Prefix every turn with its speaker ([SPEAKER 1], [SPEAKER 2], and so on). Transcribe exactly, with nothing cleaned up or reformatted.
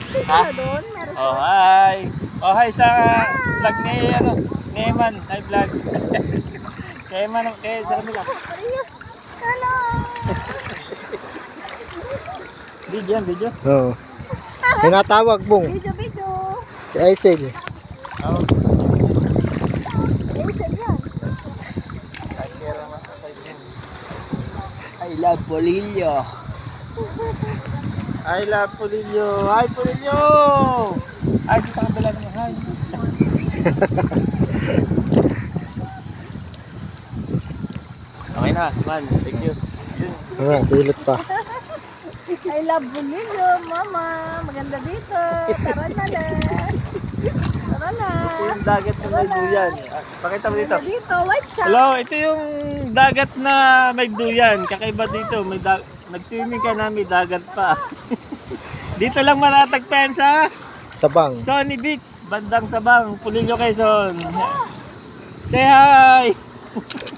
[SPEAKER 1] Ha?
[SPEAKER 2] Doon, meron
[SPEAKER 1] Oh, hi. Oh, hi sa vlog ni, ano, ni Eman. Hi, vlog. Kay Eman, kay sa kanila.
[SPEAKER 2] Hello!
[SPEAKER 1] Video yan, video.
[SPEAKER 3] Oo. Tinatawag mong
[SPEAKER 2] Video, video.
[SPEAKER 3] si Aisel.
[SPEAKER 1] Oh.
[SPEAKER 2] Ayan yan.
[SPEAKER 1] Kahit meron naman sa side din.
[SPEAKER 3] I love Polillo.
[SPEAKER 1] I love Polillo. Hi, Polillo! Ay, di sa kabila naman. Hi. Okay na, man. Thank you. Yun.
[SPEAKER 3] Ah, silot pa.
[SPEAKER 2] I love Bulilio, mama. Maganda dito. Tara na na. Tara na.
[SPEAKER 1] Ito yung dagat na may duyan. Ah, pakita mo dito.
[SPEAKER 2] Maganda dito, white sand.
[SPEAKER 1] Hello, ito yung dagat na may duyan. Kakaiba dito, may da- nag-swimming ka na, may dagat pa. Dito lang matatagpan sa
[SPEAKER 3] Sabang.
[SPEAKER 1] Sunny Beach, bandang Sabang, Polillo, Quezon. Say hi!